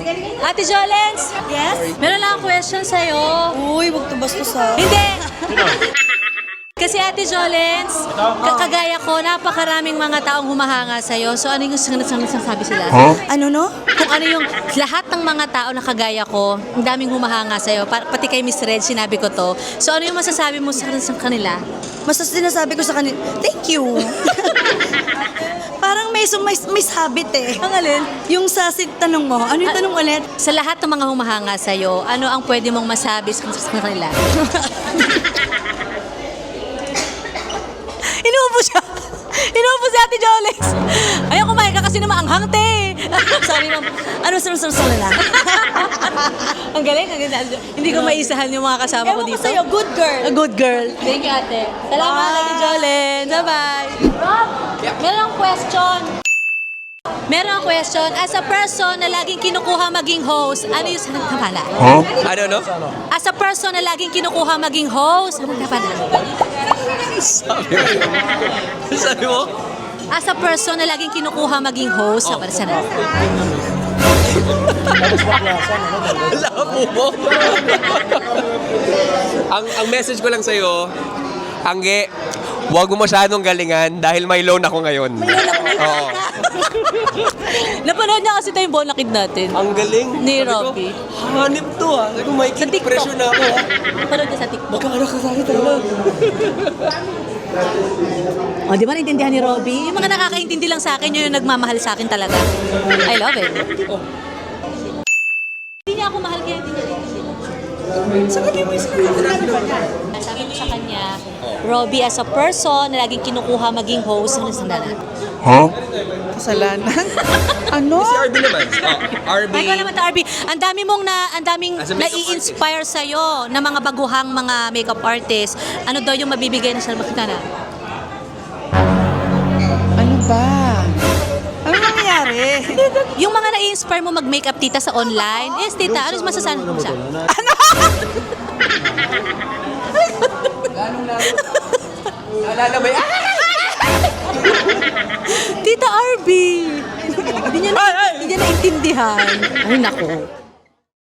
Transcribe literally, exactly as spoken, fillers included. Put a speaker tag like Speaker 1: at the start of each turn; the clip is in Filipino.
Speaker 1: Ate Jolens?
Speaker 2: Yes?
Speaker 1: Meron lang akong question sa'yo.
Speaker 2: Uy, wag to bastos ha.
Speaker 1: Hindi! Kasi Ate Jolens, kakagaya ko, napakaraming mga taong humahanga sa'yo. So ano yung sinasabi sila?
Speaker 2: Ano no?
Speaker 1: Kung ano yung lahat ng mga tao na kagaya ko, ang daming humahanga sa'yo. Pa- pati kay Miss Red, sinabi ko to. So ano yung masasabi mo sa, sa kanila?
Speaker 2: Mas sinasabi ko sa kanila, thank you. Parang may, may, may habit eh.
Speaker 1: Ang alin?
Speaker 2: Yung sa si- tanong mo, ano yung tanong ulit?
Speaker 1: Sa lahat ng mga humahanga sa'yo, ano ang pwede mong masabi sa, sa kanila? Inuubo siya. Inuubo si Ate Jolens. Ayaw kumain ka kasi naman ang te.
Speaker 2: Sorry ma'am. Ano, sorry, sorry, sorry na.
Speaker 1: Ang galing, ang galing. Hindi ko maisahan yung mga kasama ko
Speaker 2: Ewan ko
Speaker 1: dito.
Speaker 2: sa'yo, good girl.
Speaker 1: A good girl. Thank you, ate. Salamat,
Speaker 2: Bye.
Speaker 1: Ate Jolens. Bye-bye. Rob, meron akong question. Meron akong question. As a person na laging kinukuha maging host, ano yung sanang kapala?
Speaker 3: Ano, no?
Speaker 1: As a person na laging kinukuha maging host, ano kapala?
Speaker 3: Sabi mo. Sabi mo?
Speaker 1: As a person na laging kinukuha maging host, oh. Sana.
Speaker 3: Labo mo. ang, ang message ko lang sa'yo, Angge, huwag mo masyadong galingan dahil may loan ako ngayon. May loan ako ngayon. Oo.
Speaker 1: Napanood niya kasi tayong bonakid natin.
Speaker 3: Ang galing.
Speaker 1: Ni
Speaker 3: Sabi ko,
Speaker 1: Robby.
Speaker 3: hanip to ah. Sabi ko, may
Speaker 1: Sa TikTok.
Speaker 3: pressure na ako ah.
Speaker 1: Napanood niya sa TikTok.
Speaker 3: Magkakaroon ka sa akin talaga.
Speaker 1: O, oh, di ba naintindihan ni Robby? Yung mga nakakaintindi lang sa akin, yun yung nagmamahal sa akin talaga. I love it.
Speaker 3: Oh.
Speaker 1: Hindi niya ako mahal kaya hindi niya naintindihan.
Speaker 3: Sabi mo yung sinabi ba niya?
Speaker 1: Sabi ko sa kanya, Robby as a person na laging kinukuha maging host, ano sandalan?
Speaker 2: Kasalanan? ano?
Speaker 3: Si R B naman. Oh, R B.
Speaker 1: Ay, ko naman ta, R B. Ang dami mong na, ang daming
Speaker 3: As a makeup
Speaker 1: nai-inspire sa iyo na mga baguhang mga makeup artist. Ano daw yung mabibigay na sa makita na?
Speaker 2: Ano ba? Ano nangyayari?
Speaker 1: Yung mga nai-inspire mo mag-makeup tita sa online. Yes, tita, ano masasabi mo siya?
Speaker 3: Naalala ba yan?
Speaker 1: Tita R B! Hindi niya na, hindi niya naintindihan. Ay, nako.